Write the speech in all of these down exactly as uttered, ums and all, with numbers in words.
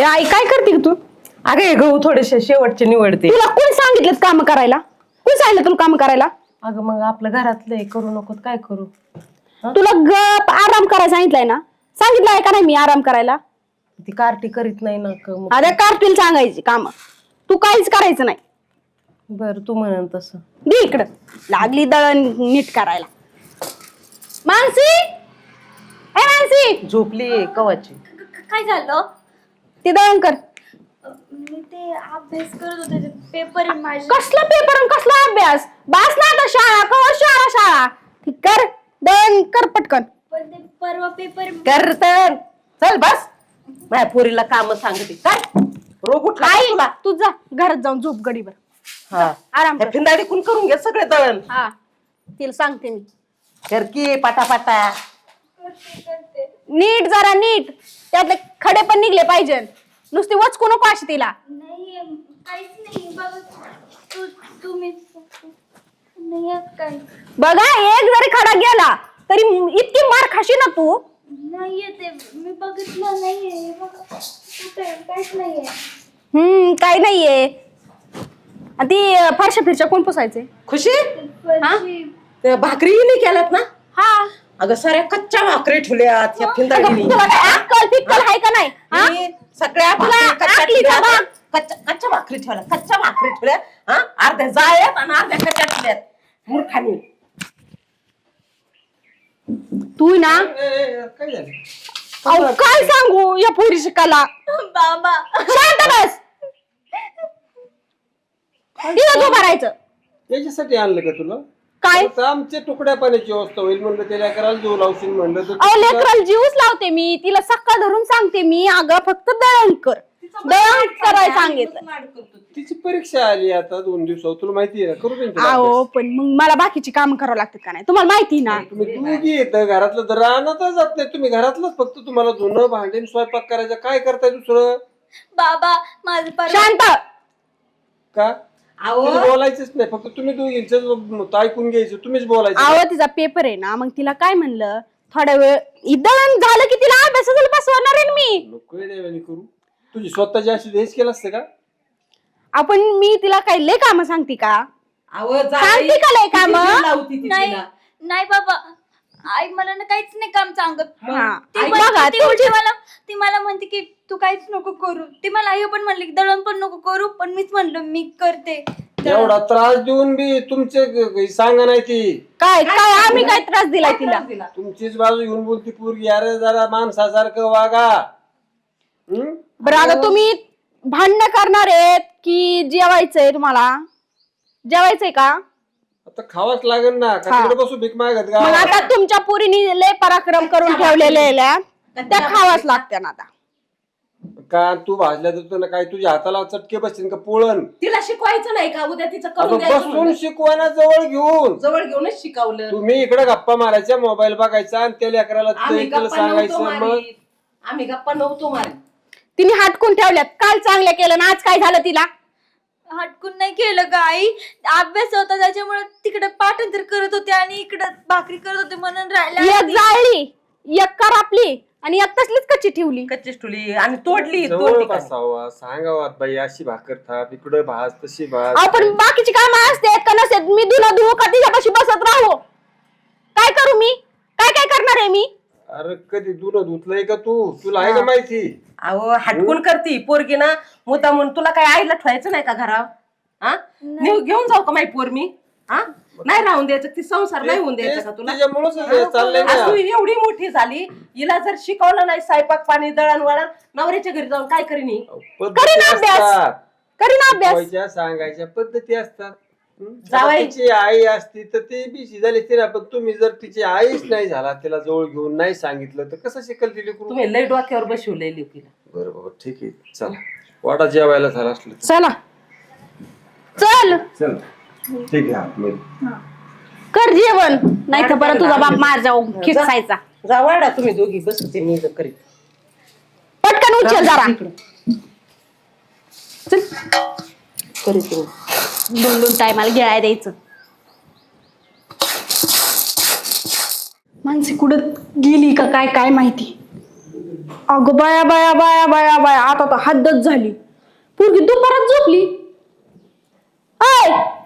ए आई काय करते तू? अरे हे गहू थोडेसे शेवटचे निवडते. तुला कोण सांगितलं काम करायला? कोण सांगितलं तुला काम करायला? अगं मग आपलं घरातलं आहे, करू नको काय करू. तुला गप आराम करायला सांगितलंय ना? सांगितलंय का नाही मी आराम करायला? ती कार्टी करीत नाही ना क- मग. अरे कार्टील सांगायची काम, तू काहीच करायचं नाही. बर तू म्हणन तसं. दे इकडं, लागली दळण नीट करायला. मानसी, ए मानसी, झोपली कवाची. काय झालं? ते दळण कर. मी ते अभ्यास करत होते, पेपर आहे माझे. कसला पेपर आणि कसला अभ्यास? बास ना आता शाळा, कवर शाळा शाळा. ठीक कर, दळण कर पटकन. पण ते परवा पेपर कर तर चल बस. माझ्या पोरीला काम सांगते काय रोग उठला का आई तुला? तू जा घरात जाऊन झोप गडीवर. हा आराम कर. फिंदाडी कुण करून घे सगळे दळण. हा तिला सांगते मी. कर की पाटा नीट जरा नीट, त्यातले खडे पण निघले पाहिजे. नुसती वचकू नको अशी तिला. नाही काहीच नाही बघ. तू तुम्ही नाही आहे काय. बघा एक जरी खडा गेला तरी इतकी मार खाशी ना तू. नाहीये ते मी बघितलं नाहीये. बघ कुठे काहीच नाहीये. हम्म काय नाहीये. आणि ती फारशा फिरशा कोण पुसायचे? खुशी फरशी त्या भाकरी नाही केल्यात ना? हा अगं साऱ्या कच्च्या भाकरी ठेवल्यात या फिंदाडीने. तुला काय अक्कल फिक्कल आहे का नाही? हा? मी सगळ्या तुला भाकरी कच्च्या आखलीचा ठेवल्यात. भाग. कच्च्या कच्च्या भाकरी ठेवल्या कच्च्या भाकरी ठेवल्या. हा अर्ध्या जाळ्यात आणि अर्ध्या कच्च्या ठेवल्यात. मूर्खानी. तू ना अहो काय सांगू या पोरीची कला. बाबा शांत बस. तिला तू भरायचं त्याच्यासाठी आणलं का तुला? काय? आता आमच्या तुकड्या पाण्याची व्यवस्था होईल म्हणलं, त्याला करायला जीव लावशील म्हणलं तर अहो लेकराला जीवच लावते मी. तिला सकाळ धरून सांगते मी, अगं फक्त दळण कर, दळण करायला सांगितलं. तिची परीक्षा आली आता दोन दिवसावर, तुला माहिती आहे ना? करू दे अहो पण मग मला बाकीची काम करावं लागतात का नाही? तुम्हाला माहिती ना. तुम्ही दोघी येतं घरातलं तर राहण्यातच जात नाही तुम्ही. घरातलंच फक्त तुम्हाला धुणं भांडे स्वयंपाक करायचं. काय करताय दुसरं? बाबा माझं परवा शांत. का अहो तिला बोलायचंच नाही, फक्त तुम्ही दोघींच ऐकून घ्यायचं, तुम्हीच बोलायचं. अहो तिचा पेपर आहे ना, मग तिला काय म्हणलं थोड्या वेळ दळण झालं की तिला अभ्यासाला बसवणार आहे ना मी. नको येड्यावानी करू. तुझी स्वतःची अशी हेच केलं असतं का? आपण मी तिला काय लय काम सांगते का? अहो सांगते का लय काम? लावती ती नाही तिला. नाही बाबा आई मला ना काहीच नाही काम सांगत. हा. ती आई म्हणते- बघा, ती तुमची- उलटी मला ती मला म्हणते की तू काहीच नको करू. ती मला आई पण म्हणली की दळण पण नको करू, पण मीच म्हणलं मी करते. एवढा त्रास देऊन बी तुमचे सांगा नाही ती. काय काय आम्ही काय त्रास दिलाय तिला? तुमचीच बाजू घेऊन बोलती पोरगी. अरे जरा माणसासारखं वागा. हम्म? बरं आता तुम्ही भांडणं करणार आहेत की जेवायचंय? तुम्हाला जेवायचंय का? आता खावाच लागेल ना. का हा. तिकडे बसू भीक मागत मग का? आता तुमच्या पुरीनी लय पराक्रम करून ठेवलेल्या त्या खावाच लागत्या ना आता. का तू भाजल्या तर ना काय तुझ्या हाताला चटके बसतील का पोळण? तिला शिकवायचं नाही का? उद्या तिचं आता करून द्यायचं बसून म्हणलं. शिकवाना जवळ घेऊन. जवळ घेऊनच शिकवलं. तुम्ही इकडे गप्पा मारायच्या, मोबाईल बघायचा आणि त्या लेकराला आम्ही तुला गप्पा नव्हतो सांगायचं. मग मारीत. आम्ही गप्पा नव्हतो मारीत. तिने हाटकून ठेवल्यात. काल चांगलं केलं ना, आज काय झालं तिला? हटकून नाही केलं का आई. अभ्यास होता त्याच्यामुळे तिकडे पाठांतर करत होते आणि इकडे भाकरी करत होते म्हणून राहिला. एक जाळली, एक करापली आणि एक तसलीच कच्ची ठेवली. कच्ची ठुली आणि तोडली दोन जवळ ठिकाणी. बसावा, सांगावा बाई अशी भाकर थाप, इकडे भाज तशी भाज. आपण बाकीची कामं असतात का नसतात? मी धुणं धुवू का तिच्यापाशी बसत राहू? काय करू मी? काय काय करणार आहे मी? अरे कधी दूध धुतलंय का तू? तुला आहे का माहिती? अहो हटकून करती पोरगी ना मुद्दा म्हणून. तुला काय आईला ठेवायचं नाही का घरावर? हा नेऊ घेऊन जाऊ का माई पोर मी? हा नाही राहून द्यायचं. ती संसार नाही होऊन द्यायचा का तुला? त्याच्यामुळेच हे चाललंय आज ना. तू एवढी मोठी झाली, हिला जर शिकवलं नाही स्वयंपाक पाणी दळण वळण, नवऱ्याच्या घरी जाऊन काय करीन ही? पद्धती करीन अभ्यास. असतात. करीन अभ्यास. शिकवायच्या, सांगायच्या पद्धती असतात. हं? जावई. आता तिची आई असती तर ती बी झाली तिला, पण तुम्ही जर तिची आईच नाही झाला, तिला जवळ घेऊन नाही सांगितलं तर कसं शिकल तिला? करू तुम्ही लय डोक्यावर बसवलंय लेकीला. बरं बाबा ठीक आहे, चला वाटा जेवायला झाला असलं तर. चला चल चल ठीक आहे आतमध्ये. कर जेवण, नाही तर परत तुझा बाप मार जाऊ खिसायचा. जा वाडा तुम्ही दोघी बसते मी इथं करीत. पटकन उचल जरा. चल करीत मी. दोन दोन टायमाला गिळाय द्यायचं. माणसे कुठं गेली का काय काय माहिती. अगं बाया बाया बाया बाया बाया आता तर हद्दच झाली. पोरगी दुपारात झोपली. ऐ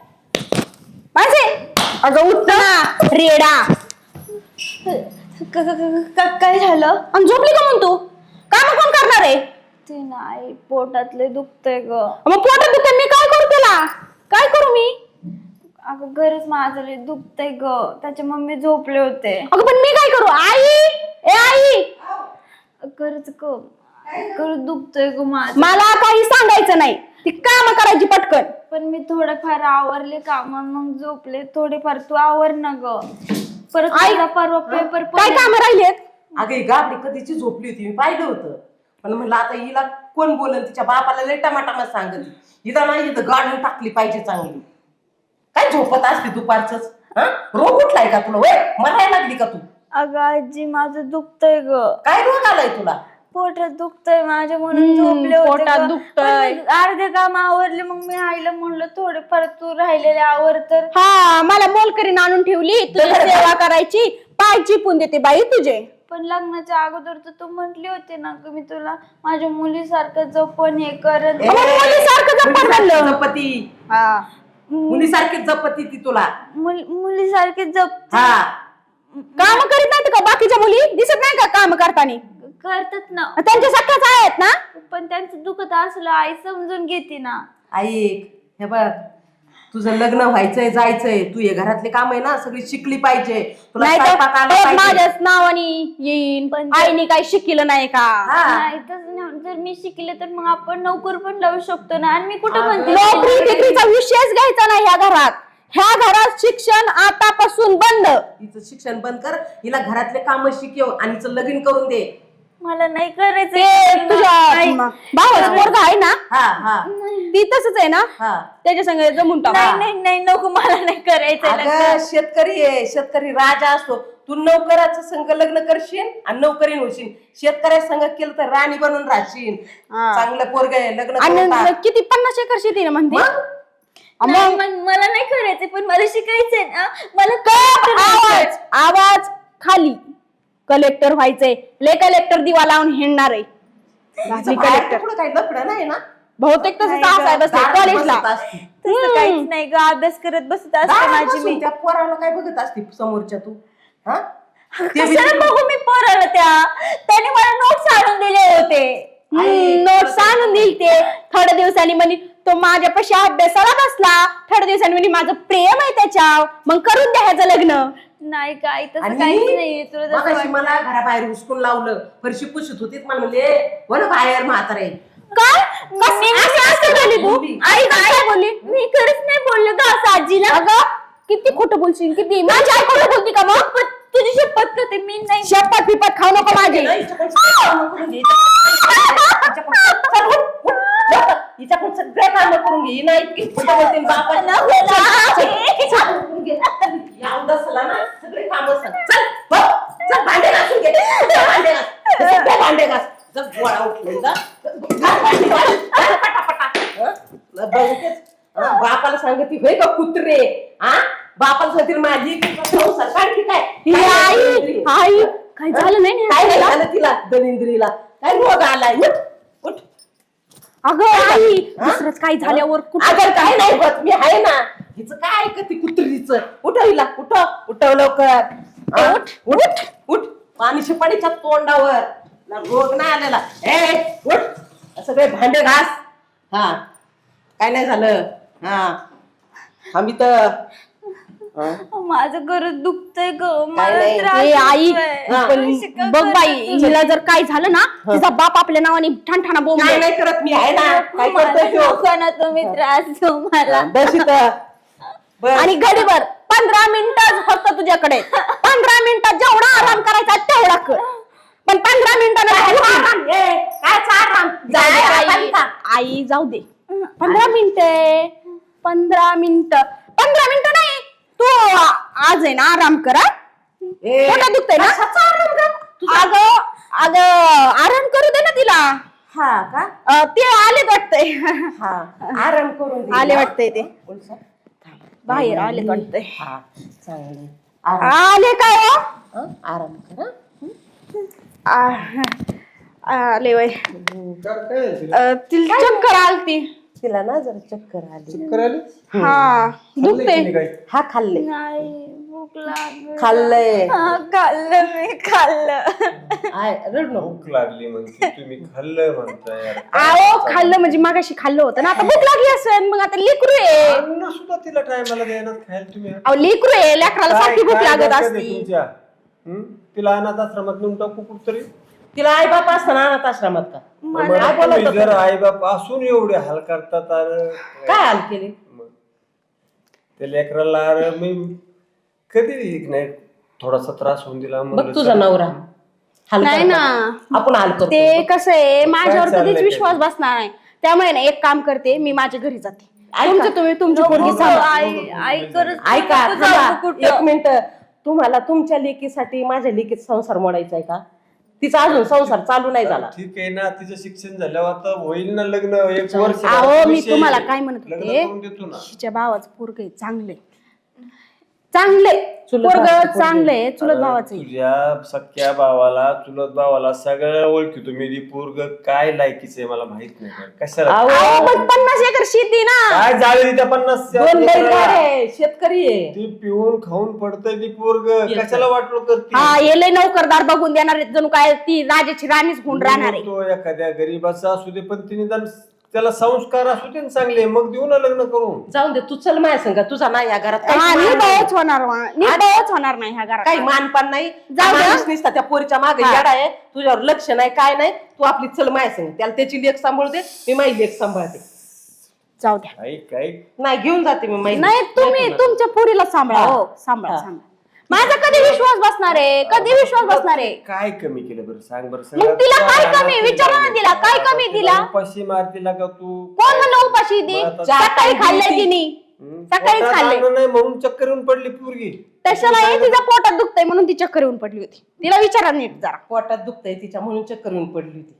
माझे अगं उठ ना रेडा. क- क- क- क- काय झालं? आणि झोपली का म्हणतो? काम कोण करणार आहे? ते नाही, पोटातले दुखतंय ग. मग पोटात दुखतंय, मी काय करू त्याला? काय करू मी? अगं गरज माझं लय दुखतंय ग, त्याच्या मम्मी झोपले होते. अगं पण मी काय करू? आई ए आई गरज ग, गरज दुखतंय ग माझं. मला काही सांगायचं नाही, ती काम करायची पटकन. पण मी थोडंफार आवरले काम, मग झोपले थोडेफार. तू आवर ना ग. परत आई, मला परवा पेपर काय काम राहिलेत? अगं ही गाबडी कधीची झोपली होती, मी पाहिलं होतं. पण म्हणलं आता हिला कोण बोलन, तिच्या बापाला लय टमाटामा सांगत. हिला नाही इथं गाडून टाकली पाहिजे चांगली. काय झोपत असते दुपारच? हा रोग उठलाय का तुला? वय मरायला लागली का तू? अगं आजी माझं दुखतंय ग. काय रोग आलाय तुला? पोटात दुखतंय माझ्या, म्हणून हम्म, झोपले होते पोटात ग. दुखतंय. पण अर्धे काम आवरले, मग मी आईला म्हणलं थोडेफार तू राहिलेले आवर. तर हा मला मोलकरीन आणून ठेवली, तुझी सेवा करायची, पाय चिपून देते बाई तुझे. पण लग्नाच्या अगोदर तर तू म्हटली होती ना की मी तुला माझ्या मुलीसारखं जपण हे करत. ए, मुलीसारखं जपत मुलीसारखी म्हणलं. जपती, हा मुलीसारखीच जपती ती तुला. मुल- मुलीसारखे जप हा काम करीत नाहीत का बाकीच्या मुली? दिसत नाही का काम करताना? करतात ना, त्यांच्या सख्याच आहेत ना. पण त्यांचं दुखत असलं आई समजून घेते ना. ऐक हे बघ, तुझं लग्न व्हायचंय, जायचंय, तू हे घरातले काम आहे ना सगळी शिकली पाहिजे. तुला नाही स्वयंपाक आला तर पाहिजे. माझ्याच नावाने येईन. पण आईने काही शिकलं नाही का? हा. नाही तसं नाही. जर मी शिकले तर मग आपण नोकर पण लावू शकतो ना. आणि मी कुठं हा, म्हणते नोकरी बिकरीचा विषयच घ्यायचा नाही ह्या घरात. ह्या घरात शिक्षण आतापासून बंद. हिचं शिक्षण बंद कर, हिला घरातले काम शिकव आणि हिचं लगीन करून दे. मला नाही करायचं. ते तुझ्या भावाचं पोरगं आहे ना, हा हा ती तसंच आहे ना, हा त्याच्या संग जमून टाक. नाही नाही नाही नको, मला नाही करायचं लग्न. अगं शेतकरी आहे, शेतकरी राजा असतो. तू नोकराचं संघ लग्न करशील आणि नौकरीन होशील. शेतकऱ्या संघ केलं तर राणी बनून राहशील. हा. चांगलं पोरग आहे, लग्न करून आणि टाक. किती पन्नास एकर शेती ना म्हणते. मग? नाही, मन- मला नाही करायचं, पण मला शिकायचंय ना. मला आवाज आवाज खाली. कलेक्टर व्हायचंय. ले कलेक्टर दिवा लावून हिंडणार आहे. हिचं बाहेर कुठं काही लफडं नाही ना? बहुतेक तसं नाही आहे बसले दारात कॉलेजला. बसत असती. तसं काहीच नाही ग. अभ्यास करत बसत असते दारात माझी बसून मी. त्या पोराला काय बघत असते समोरच्या तू? हा ते बी- कशाला बघू मी पोराला? त्या त्याने मला नोट्स आणून दिले होते. नोट्स आणून दिल ते. थोड्या दिवसांनी म्हणे तो माझ्यापाशी अभ्यासाला बसला. थोड्या दिवसांनी म्हणे माझं प्रेम आहे त्याच्यावर, मग करून द्या ह्याचं लग्न. नाही काय तसं आणि काहीच नाहीये. तुला जसं मगाशी वाटतं. मला घराबाहेर हुसकून लावलं, फरशी पुसत होतीत. मला म्हणले वन बाहेर म्हातारे. काय कस- मी- असं असं बोलली तू? आई काय बोलली? मी खरंच नाही बोललो का असं आजीला. अगं किती खोटं बोलशील? किती माझी आई खोटं बोलती का मग? पण तुझी शपथ करते मी नाही. शपथ पिपत खाऊ नको माझी. हिच्याकडून सगळे कामं करून घे. हिच्याकडून- चल, उठ, उठ, लवकर. हिच्याकडून सगळे कामं करून घे. ही नाही इतकी खोटं बोलते ना बापा. नको चल, ना. चल, चल, करून घे. या उदासाला ना सगळे कामं सांग. चल, बघ, चल, भांडे घासून घे. चल, भांडे घास. सगळे भांडे घास. चल, गोळा उठले जा. घास भांडे घास. चल, पटापटा. हं? बघतेस? हं, बापाला सांगते होय का कुत्रे? हा बापाला सांगते माझी संसार काढ की काय? ही काय आई दलिंद्री? आई काय झालं नाही ना काय नाही ह्याला? झालं तिला दलिंद्रीला? काय रोग आलाय? उठ, उठ. अगं आई हा? दुसरंच काय झाल्यावर कुठं- अगं काय नाही होत, मी आहे ना. हिचं काय ऐकते कुत्रीच? उठव हिला, उठव, उठव लवकर. हा? उठ, उठ, उठ. पाणी शिपाणीच्या तोंडावर ना रोग नाही आलेला. ए उठ, सगळे भांडे घास. हा काय नाही झालं. हा आम्ही तर हा? माझं गरज दुखतंय ग. काय मला नाही. त्रास ए आई होतोय. पण पैसे का बघ बाई करत हिला जर काय झालं ना तिचा बाप आपल्या नावाने ठाणठाणा काय बोंबलेल. नाही करत, मी आहे ना. काय मला करतोय तो? नको ना तुम्ही त्रास देऊ मला. बस इथं. बस. आणि घडीभर पंधरा मिनिटं फक्त तुझ्याकडे. पंधरा मिनिटात जेवढा आराम करायचा तेवढा कर. पण पंधरा मिनिटांना ए, काय चाल आई आई जाऊ दे. पंधरा मिनिटं पंधरा मिनिटं पंधरा मिनिटं नाही तू आज आहे ना आराम करा. पोटात दुखतंय ना? अगं अगं आराम करू दे ना तिला. हा का? अं, ते आलेत वाटतंय. हा आराम करून दे. आले वाटतंय ते उलसा. बाहेर आलेत वाटतंय. हा चांगले आराम. आले काय हो? हं? आराम करा. आ, आले वय काय काय झालं तिला? अं, तिला चक्कर आलती. तिला ना जरा चक्कर आली. चक्कर आली? हा खाल्लंय दुखते. तिने काय? हा खाल्ले नाही भूक लागली. खाल्लंय. हा, खाल्लं मी खाल्लं. आय रड नको. भूक लागली म्हणते तुम्ही खाल्लं म्हणताय यार. आओ खाल्लं म्हणजे मागाशी खाल्लं होतं ना, आता भूक लागली असेल. मग आता लेकरू आहे. अन्न सुद्धा तिला टायमाला द्यायला खायला तुम्ही. अहो लेकरू आहे, लेकराला सारखी भूक लागत डोक्यात आहे असती. तुमच्या? हं? तिला अनाथ आश्रमात नेऊन टाकू कुठतरी. तिला आई बाप असताना अनाथ आश्रमात का? मला तुम्ही जर आई बाप असून एवढे हाल करतात अरे काय हाल केले? मग त्या लेकराला अरे मी कधी नाही थोडासा त्रास होऊन दिला बघ म्हणलं तुझा चल. नवरा हाल नाही करतो. ना. आपण हाल करतो. ते कसं आहे, माझ्यावर चाललंय कधीच ते? विश्वास बसणार नाही. त्यामुळे ना एक काम करते, मी माझ्या घरी जाते. ऐका. तुमचं तुम्ही तुमची पोरगी नको, सांभाळा. आई आई करत ऐका नको जाऊ थांबा. कुठं. एक मिनिट. तुम्हाला तुमच्या लेकीसाठी माझ्या लेकीत संसार मोडायचा आहे का? तिचा अजून संसार चालू नाही झाला. ठीक आहे ना, तिचं शिक्षण झाल्यावर आता होईल ना लग्न. एक वर्ष अहो मी विषय तुम्हाला काय म्हणत लग्न होते, करून देतो ना. हिच्या भावाचं पोरग आहे चांगले चांगले चुलत पोरग भावाचं पोरगं. चांगलंय, चुलत अरे, भावाचं आहे. तुझ्या सख्या भावाला चुलत भावाला सगळ्या ओळखी तुम्ही ती पोरग काय लायकीच आहे मला माहित नाही का? कशाला अहो, अहो, पण पन्नास एकर शेती ना. काय जाळी त्या पन्नास दोन बैलगाड आहे, शेतकरी आहे. ती पिऊन खाऊन पडतय ती पोरग कशाला वाटलो करते. हा येले नौकरदार बघून देणार आहेत, जणू काय ती राजाची राणीच होऊन राहणार आहे. तो एखाद्या गरीबाचा असू दे पण तिने निदान त्याला संस्कार असू दे ना चांगले, मग देऊ ना लग्न करून. जाऊन दे तू चल माझ्या संग. तुझा नाही या घरात हा काही मान निर्भयच होणार वा- निर्भयच होणार नाही ह्या घरात. काही मानपान नाही. जाऊ दे. माणूस नुसता त्या पोरीच्या मागे हा. येडा आहे. तुझ्यावर लक्ष नाही काय नाही. तू आपली चल माझ्या संग. त्याला त्याची लेख सांभाळू दे, मी माझी लेख सांभाळते. जाऊ द्या. ऐक ऐक नाही घेऊन जाते मी माझी. नाही तुम्ही तुमच्या पोरीला सांभाळा. हा. हो सांभाळा हा. सांभाळा. माझा कधी विश्वास बसणार आहे, कधी विश्वास बसणार आहे. काय कमी केलं बरं सांग बरं. मग तिला काय कमी? विचारा ना तिला, काय कमी दिला? उपाशी मारतीला का तू? कोण म्हणलं उपाशी ती? मग आता- सकाळी खाल्लंय तिने, हं? सकाळीच पोटात खाल्लंय. अन्न नाही म्हणून चक्कर येऊन पडली पोरगी. तशाला हे तिच्या पोटात दुखतंय म्हणून ती चक्कर येऊन पडली होती. तिला विचारा नीट जरा. पोटात दुखतंय तिच्या म्हणून चक्कर येऊन पडली होती.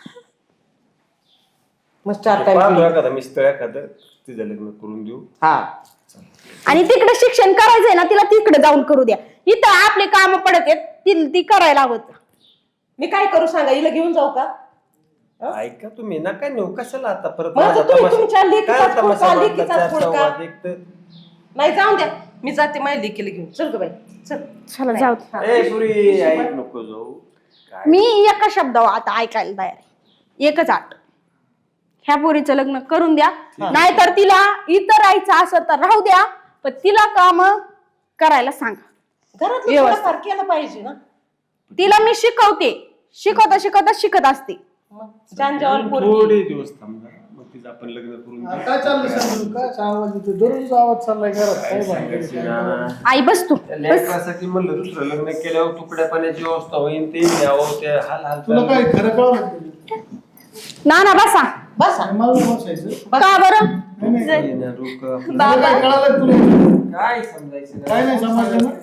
मग चार पाहतो टाइम एखादा मिस्टर एखादं तिचं लग्न करून देऊ. हा. आणि तिकडे शिक्षण करायचंय ना, तिला तिकडे जाऊन करू द्या. इथं आपले काम पडत आहेत, ती ती करायला हवं. मी काय करू सांगा? हिला घेऊन जाऊ का? ऐका तुम्ही नका नेऊ कशाला आता परत मग आता माझा तुम्ही तमाशा- तुमच्या लेकीचाच काय पुढचा, तमाशा बांधला? लेकीचाच चार पुढचा. चौघात एक तर- नाही जाऊन द्या. मी जाते माझ्या लेकीला घेऊन. चल ग बाई चल. चला जाऊ दे. ए पुरी ऐक नको जाऊ. काय मी एका शब्दावर आता ऐकायला तयार आहे. एकच आठ, ह्या पोरीचं लग्न करून द्या. नाहीतर तिला इतर राहायचं असं तर राहू द्या, पण तिला काम करायला सांगा. घरात व्यवस्थित. थोडंफार केलं पाहिजे ना. तिला मी शिकवते, शिकवता शिकवता शिकत असते. मग जांजावर पोरगी. थोडे दिवस थांबा मग तिचं आपण लग्न करून देऊ. काय चाललंय सांगू? काय आवाज येतो? दररोज आवाज चाललाय घरात. काय काय भानगड सांगायचं आहे? ना. आई बस तू त्या बस. लेकरासाठी म्हणलं दुसरं लग्न केल्यावर तुकड्या पाण्याची व्यवस्था होईल ते द्यावं ते हाल हाल तुला काय चालू. खरं कळलं का? ना ना बसा. बस नाही, मला नाही बसायचं. का बरं? नाही, नाही. ये ना, रुक. तुला काय कळालं का तुला? काय समजायचं काय नाही समजलं ना?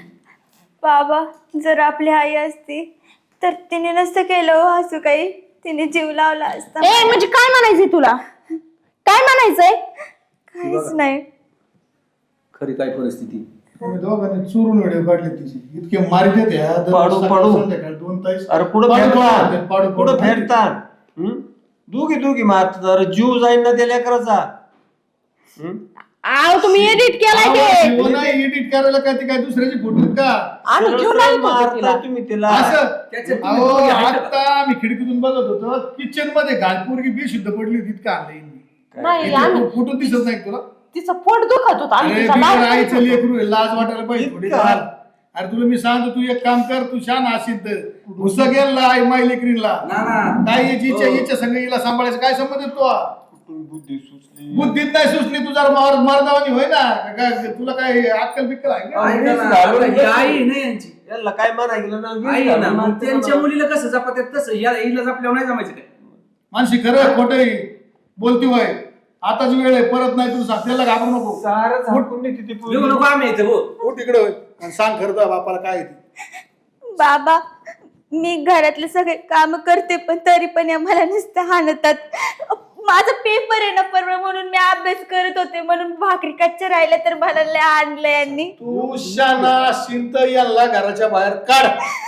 बाबा जर आपली आई असती तर तिने नसतं केलं हो असं काही. तिने जीव लावला असता. ए म्हणजे काय म्हणायचंय तुला? काय म्हणायचंय? काहीच नाही. खरी काय परिस्थिती. तुम्ही दोघांनी चोरून व्हिडिओ काढले तिचे. इतके मारी देते ह्या. दररोज पाडू, सकाळ पाडू. संध्याकाळ दोन तास. अरे पुढं पाडू, पाडू, फेरतात पाडू, पुढं पाडू. फेरतात हं? दोघी दोघी मारतात. अरे जीव जाईन ना त्या लेकराचा. हं? आव तुम्ही एडिट केलाय ते. आवाज जीव नाही एडिट करायला काय ते काय दुसऱ्याचे फोटो आहेत का? आणि सरळ जीव सरळ लावत होती मारता तिला. तुम्ही तिला. असं त्याच्यात तुम्ही अहो दोघी आहेत का? आता मी खिडकीतून बघत होतो किचन मध्ये घालपूरगी बेशुद्ध पडली होती. इतकं आणलंय नाही आम्ही फोटो दिसत नाही का तुला? तिचं पोट दुखत होतं. आम्ही अरे तिचा बिगर लाड आईचं करत होतो. लेकरू आहे, लाज वाटायला पाहिजे थोडी इतकं? फार. अरे तुला मी सांगतो तू एक काम कर, तू शान असेल तर घुसा गेला आई माय लेकरीला ना ना काय याची इच्छा हो. इच्छा संग हिला सांभाळायचं काय संबंध आहे तो? कुठून बुद्धी सुचली. बुद्धीत नाही सुचली तू जरा मार मारदावानी होय ना का- काय तुला काय अक्कल बिक्कल आहे का? ऐका ना, आता ही आई आहे ना यांची. याला काय म्हणा गेलं ना आई आहे ना, मग त्यांच्या मुलीला कसं जपात्यात तसं या हिला जपल्यावर नाही जमायचं काय. मानसी खरं खोटं बोलती होय. आताच वेळ आहे, परत नाही तू सांग. त्याला घाबरू नको. सारं झाकून नाही तिथे येऊ नको आम्ही इथे हो. हो तिकडे होय आणि सांग खरं तुझ्या बापाला काय आहे ते. बाबा मी घरातले सगळे काम करते पण तरी पण या मला नुसतं हाणतात. माझा पेपर आहे ना परवा म्हणून मी अभ्यास करत होते म्हणून भाकरी कच्च्या राहिल्या तर मला लय आणलं यांनी. तू शाना शिंत याला घराच्या बाहेर काढ.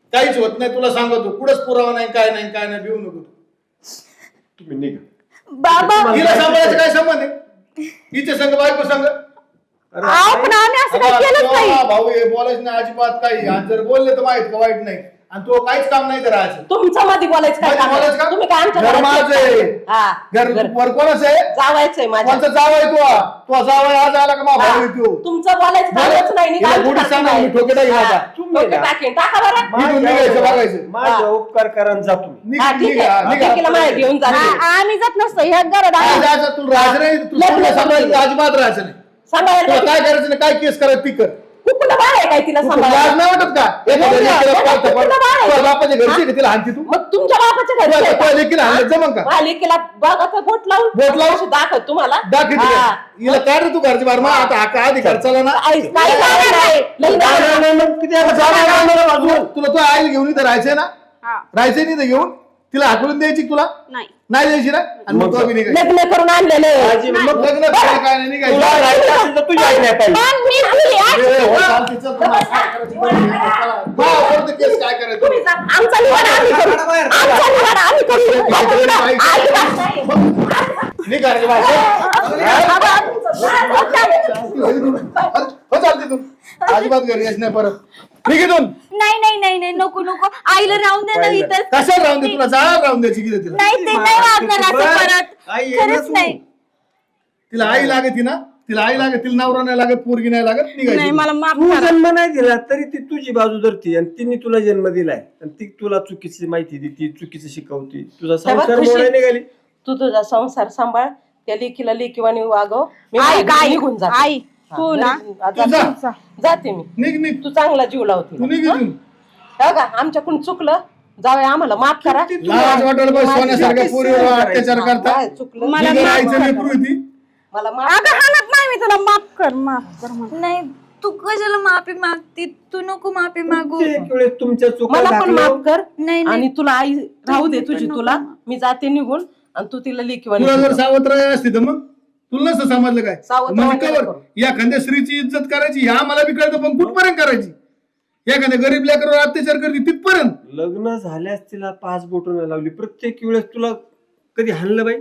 काहीच होत नाही तुला सांगतो कुठंच पुरावा नाही काय नाही काय नाही भिवू नको तुम्ही निघा. बाबा हिला सांभाळायचं काय संबंध आहे हिचे संघ बायको संघ अरे अहो, पण आम्ही असं काही केलंच नाही. भाऊ हे बोलायचं नाही अजिबात काही आणि जर बोलले तर माहित का वाईट नाही आणि तो काहीच काम नाही करायचं तुमचं मध्ये बोलायचं काय मध्ये काम आहे? बोलायचं का? तुम्ही काय आमच्या घर घरात माझं येत आहे. नाही? हा, घर घर. वर कोणाचं आहे जावायचंय माझ्या कोणचा जावं आहे तू तो जावं आज आला का मा भाऊ आहे तो तुमचं बोलायचं बोला. कामच नाही नी हिला काय गोडीत सांगा, टाकताय? मी ठोके टाकीन हा, आता. तुम्ही ठोके ना. टाकीन. टाका बरं इथून निघायचं बघायचं माझ्या उपकार करा आणि जा तुम्ही. निघ हा, ठीक निघा आहे निघा ठेकीला मागे घेऊन जा आ- आम्ही जात नसतो ह्या घरात काय आम्ही- जायचं तुला राहायचं नाही तू लग्न तुला सांभाळायचं करायचं. अजिबात राहायचं नाही सांभाळायला तुला काय करायचं नाही काय केस करायचं ती कर कुठलं बाळ आहे काय तिला तू सांभाळायला? लाज नाही वाटत का एखाद्या नाही, लेकीला नाही, पाळतं पण. कुठलं बाळ आहे? तुझ्या बापाच्या घरची आहे का तिला हाणती तू मग तुमच्या बापाच्या घरी तुझ्या आहे का? तुझ्या लेकीला हाणलं जमन का मालिकेला बघा बोट लावून बोट लावून? अशी दाखव तुम्हाला दाखव हा. हिला काय रे तू घरची बार मग आता हा काय अधिकार चला ना आई, नाही जाणार नाही. लग्न जाणार नाही, मग किती आता जाणार नाही मला बाजूला. तुला तुला आईला घेऊन इथं राहायचंय ना हा, राहायचंय नाही इथं घेऊन तिला हाकलून द्यायची का तुला नाही नाही द्यायची ना आणि मग तो बी निघायची. लग्न करून आणलेलं आजी, मग लग्न करायला काय नाही निघायचं. तुला राहायचं असेल तर तुझी आई नाही पाहिजे. पण मी तुझी आई- ए, हो, चालते, चल, तुम्हाला काय करायचं बघू. हा, वरती केस काय करायचं तुम्ही जा. आमचा निवाडा आम्ही करू. काढा बाहेर. आमचा निवाडा आम्ही करू. अजिबात नाही. निघा रे बाई. हो, चालते तू अजिबात घरी यायचं नाही परत निघ इथून. नाही नाही नाही नाही नको नको आईला राहून दे ना इथं कशाला राहून दे तुला जाळा राहून द्यायची की तिला नाही ते नाही वागणार असं बरं. परत आई ये ना खरंच तू. नाही तिला आई लागत ना तिला आई लागत तिला नवरा नाही लागत पोरगी नाही लागत नाही निघायची मला माफ तू करा. जन्म नाही दिला तरी ती तुझी बाजू धरती आणि तिने तुला जन्म दिलाय आणि ती तुला चुकीची माहिती देते चुकीची शिकवते तुझा तेव्हा संसार खुशी- मोडायला निघाली. तू तुझा संसार सांभाळ त्या लेकीला लेकीवाणी वागव मी आई माझ्या घरी आई निघून जाते. आई तू ना हा, तू जा. जाते. जाते मी निघ निघ तू चांगला जीव लावते तू निघ इथून का आमच्याकडून चुकलं जावे आम्हाला माफ करा लाज वाटेल बस सोन्यासारख्या पोरीवर अत्याचार करता काय चुकलं मला निघ माफ राहायचं करा. लेकरू आहे ती मला माफ अगं हाणत नाही मी तुला माफ कर माफ कर मला. नाही तू कशाला माफी मागती तू नको माफी मागू प्रत्येक वेळेस तुमच्या चुका मला पण दाखल्या. माफ कर नाही नाही आणि तुला आई राहू दे तुझी तुला मी जाते निघून आणि तू तिला लेकीवाणी तुला जर शिकव. सावत्र असती तर मग तुला नसतं समजलं काय सावत्र म्हणजे वगैरे कवर या एखाद्या स्त्रीची इज्जत करायची ह्या मला बी कळतं पण कुठपर्यंत करायची एखाद्या गरीब लेकरावर अत्याचार करते तिथपर्यंत लग्न झाल्यास तिला पाच बोटं लावली प्रत्येक वेळेस तुला कधी हाणलं बाई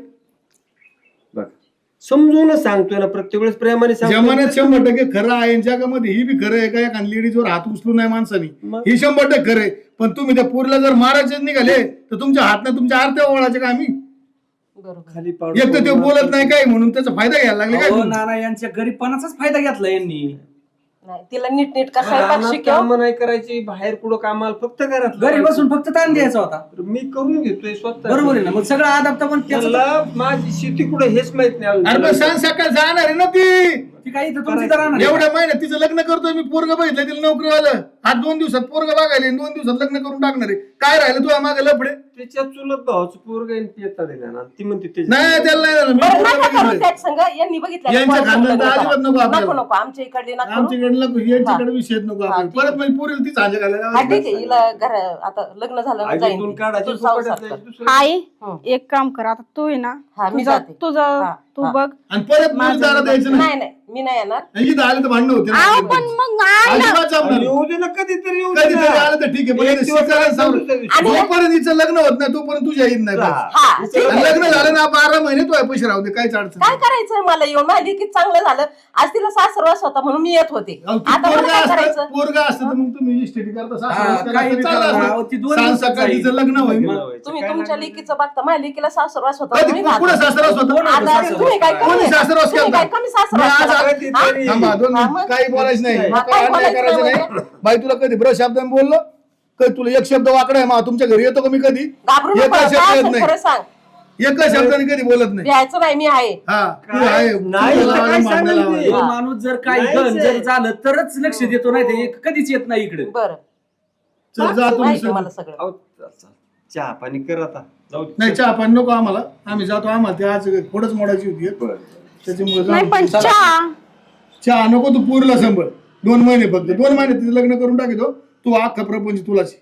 बघ समजूनच सांगतोय ना प्रत्येक वेळेस प्रेमाने सांगतोय. जमान्यात शंभर टक्के खरं आहे आणि जगामध्ये ही बी खरं आहे का एखाद्या लेडीजवर हात उचलून नाही माणसानी मग? ही शंभर टक्के खरं आहे पण तुम्ही त्या पोरीला जर मारायचे निघाले तर तुमच्या हातनं तुमच्या आरत्या ओळायचे का आम्ही बरोबर खाली एक तर ते बोलत नाही काय म्हणून त्याचा फायदा घ्यायला लागले काय अहो, तुम्ही? नाना यांच्या गरीबपणाचाच फायदा घेतला यांनी नाही तिला नीट नीट का स्वयंपाक रानात शिकव कामं नाही करायची बाहेर कुठं कामाला फक्त घरात घरी बसून फक्त ताण द्यायचा होता मी करून घेतोय स्वतः बरोबर आहे ना मग सगळं आदाप्त पण त्याचं त्याला माझी शेती कुठे हेच माहित नाही अरे पण अजून. सांग सकाळ जाणार आहे ना ती ती काही इथं तुमची तर राहणार आहे. एवढ्या महिन्यात तिचं लग्न करतोय मी पोरग बघितलं तिला नोकरी आलं आज दोन दिवसात पोरग बघायला दोन दिवसात लग्न करून टाकणार आहे काय राहिलं तुला मागे लफडे त्याच्या चुलत भावाचं पोरग येतात ना ती म्हणते ते नाही त्याला नाही झालं मी बरं पोरगं नका करू बघितलंय. त्याच संग यांनी बघितलं यांच्या खानदान तर अजिबात नको आपल्याला. नको नको आमच्या इकडे नका करू. आमच्याकडे नको यांच्याकडे विषय नको हा, आपण ठीक परत म्हणजे पोरीला ती सांजा हा घालायला ठीक आहे हिला घर आता लग्न झालं ना जाईन आगीतून ती. काढायची तू संसार फुकटात कर. जायची, दुसरं- आई हं. एक काम कर आता तू आहे ना हा, मी तुझं जाते. तुझं हा, तू हा. बघ आणि परत माझं दारा द्यायचं नाही नाही नाही मी नाही येणार इथं आलं तर भांडणं होते ना. आहो पण मग आई ना अजिबात जमणार आणि नाही. येऊ दे ना कधीतरी येऊ दे कधीतरी ना. आलं तर ठीक आहे पण एक इथं दिवस शिकायला आलं सावरं. तर दुसऱ्या दिवशी. जोपर्यंत हिचं लग्न होत नाही तोपर्यंत तुझ्या येत नाही बस. हा ठीक आणि आहे. लग्न झालं ना बारा महिने तू पैसे राहू दे काहीच अडचण काय नाही. करायचंय मला येऊन माझ्या लेकीत चांगलं झालं आज तिला सासरवास होता म्हणून मी येत होते अहो, ती आता मला पोरगं काय असतं करायचं पोरगं असतं तर मग तुम्ही इस्टेटी करता हा, सासू काही करता, करा, चाललं अहो, ती असतं. दोन सांग दिवसात सकाळी जाईल. तिचं लग्न होईल मग. तुम्ही काय तुमच्या नाही. लेकीचं बघता माझ्या लेकीला सासरवास होता कधी म्हणून मी कुठं राहते. सासरवास होता कोण होतं आता सासरवास? तुम्ही काय कोणी कमी सासरवास तुम्ही केलता? काय कमी सासरवास मी आज केला? कधी हा? तरी- थांबा दोन हा, मिनिट. मग? काही बोलायचं नाही हा, मग काही काय अन्याय बोलायचं करायचं नाही नाही बाई तुला कधी ब्र शब्दाने बोललो कधी तुला एक शब्द वाकडा आहे मा तुमच्या घरी येतो का मी कधी घाबरू एकच नको शब्द काय येत असेल खरं नाही सांग एकच शब्दाने कधी बोलत नाही द्यायचं नाही मी आहे हा तू काय? आहे नाही, तुला तर काय लावायला, सांगेल भांडणं ती? लावायला. तो माणूस जर काही नाहीच घन आहे. जर झालं तरच लक्ष देतो नाही ते कधीच येत नाही इकडे बरं चल जा तुम्ही माहिती सर. मला सगळं अहो, चल, चल. चहा पाणी कर आता जाऊ दे. नाही चहा पाणी नको आम्हाला आम्ही जातो आम्हाला ते आज थोडंच मोडायची होती त्याच्यामुळे नाही जाऊ. पण चला. चहा चहा नको तू पूरला संभळ दोन महिने फक्त दोन महिने तिचं लग्न करून टाकितो तू अख्खा प्रपंच तुलाच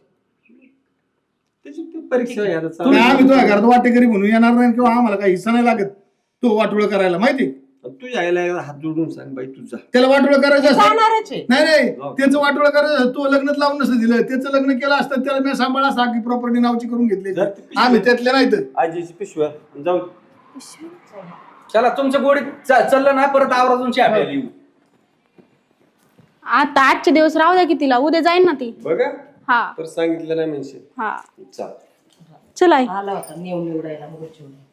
त्याची ती परीक्षा आहे आता तुम्ही चालू. आम्ही तुझ्या घरात वाटेकरी म्हणून येणार नाही किंवा आम्हाला काही हिस्सा नाही लागत तू वाटोळ करायला माहिती आणि तुझ्या आईला एकदा हात जोडून सांग बाई तुझा त्याला वाटोळं करायचं असतं जाणारच आहे. नाही नाही जाऊ. त्याचं वाटोळं करायचं तो लग्नात लावून नसतं दिलं त्याचं लग्न केलं असतं त्याला मी सांभाळा असता की प्रॉपर्टी नावची करून घेतली जर ती पिशवी- आम्ही त्यातले नाही तर आजीची पिशव्या जाऊ. चला तुमच्या गोडीत च- चाललं ना परत आवराजून चहा प्यायला येऊ. आता आजचे दिवस राहू द्या की तिला उद्या जाईन ना ती. बघा हा तर सांगितलं नाही म्हणजे हा चाल. चल आई. आला होता नेऊन निवडायला मग